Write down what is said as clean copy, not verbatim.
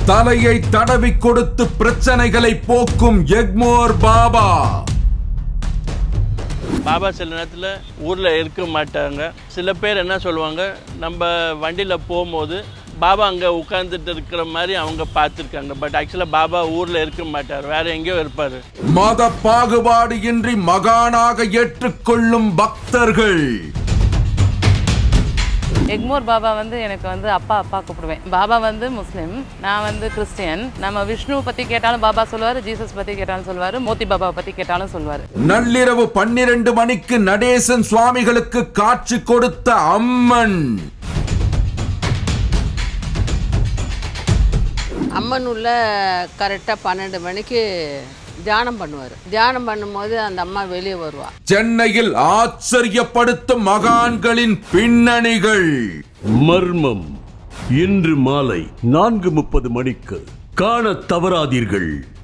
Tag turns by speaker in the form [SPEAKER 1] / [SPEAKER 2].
[SPEAKER 1] தலையை தடவி கொடுத்து பிரச்சனைகளை போக்கும் எக்மோர் பாபா.
[SPEAKER 2] பாபா சில நேரத்தில் ஊரில் இருக்க மாட்டாங்க. சில பேர் என்ன சொல்லுவாங்க, நம்ம வண்டியில் போகும்போது பாபா அங்கே உட்கார்ந்துட்டு இருக்கிற மாதிரி அவங்க பார்த்துருக்காங்க. பட் ஆக்சுவலாக பாபா ஊரில் இருக்க மாட்டார், வேற எங்கேயோ இருப்பார்.
[SPEAKER 1] மத பாகுபாடு இன்றி மகானாக ஏற்றுக்கொள்ளும் பக்தர்கள்.
[SPEAKER 3] எக்மோர் பாபா வந்து எனக்கு அப்பா கூப்பிடுவேன். பாபா முஸ்லீம், நான் கிறிஸ்டியன். நம்ம விஷ்ணு பற்றி கேட்டாலும் பாபா சொல்லுவார், ஜீசஸ் பற்றி கேட்டாலும் சொல்லுவார், மோத்தி பாபா பற்றி கேட்டாலும் சொல்லுவார்.
[SPEAKER 1] நள்ளிரவு 12 மணிக்கு நடேசன் சுவாமிகளுக்கு காட்சி கொடுத்த அம்மன்.
[SPEAKER 4] அம்மன் உள்ள கரெக்டாக 12 மணிக்கு தியானம் பண்ணுவார். தியானம் பண்ணும்போது அந்த அம்மா வெளியே வருவா.
[SPEAKER 1] சென்னையில் ஆச்சரியப்படுத்தும் மகான்களின் பின்னணிகள்.
[SPEAKER 5] மர்மம் இன்று மாலை 4:30 மணிக்கு காண தவறாதீர்கள்.